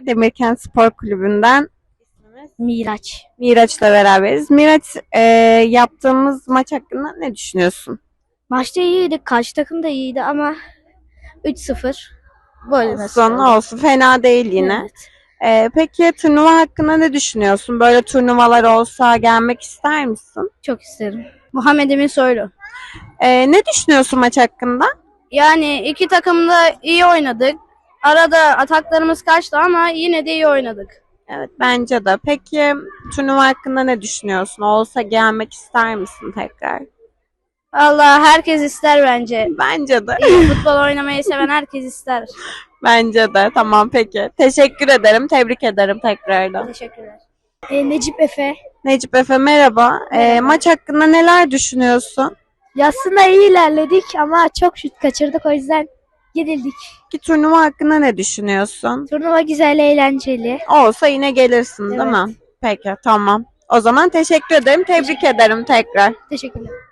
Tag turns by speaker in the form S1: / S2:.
S1: Demirkent Spor Kulübü'nden
S2: Miraç.
S1: Miraç'la beraberiz. Miraç, yaptığımız maç hakkında ne düşünüyorsun?
S2: Maçta iyiydi. Karşı takım da iyiydi ama 3-0 böyle nasıl
S1: Olsun,
S2: oldu?
S1: olsun. Fena değil yine.
S2: Evet.
S1: Peki turnuva hakkında ne düşünüyorsun? Böyle turnuvalar olsa gelmek ister misin?
S2: Çok isterim. Muhammed Emin Soylu.
S1: Ne düşünüyorsun maç hakkında?
S2: Yani iki takım da iyi oynadık. Arada ataklarımız kaçtı ama yine de iyi oynadık.
S1: Evet, bence de. Peki turnuva hakkında ne düşünüyorsun? Olsa gelmek ister misin tekrar?
S2: Allah herkes ister bence.
S1: Bence de.
S2: İyi futbol oynamayı seven herkes ister.
S1: Bence de. Tamam, peki. Teşekkür ederim. Tebrik ederim tekrardan.
S2: Teşekkürler. Necip Efe.
S1: Necip Efe, merhaba.
S2: Merhaba.
S1: Maç hakkında neler düşünüyorsun?
S2: Aslında iyi ilerledik ama çok şut kaçırdık o yüzden yenildik.
S1: Ki turnuva hakkında ne düşünüyorsun?
S2: Turnuva güzel, eğlenceli.
S1: Olsa yine gelirsin, değil mi? Peki, tamam. O zaman teşekkür ederim. Tebrik ederim tekrar.
S2: Teşekkürler.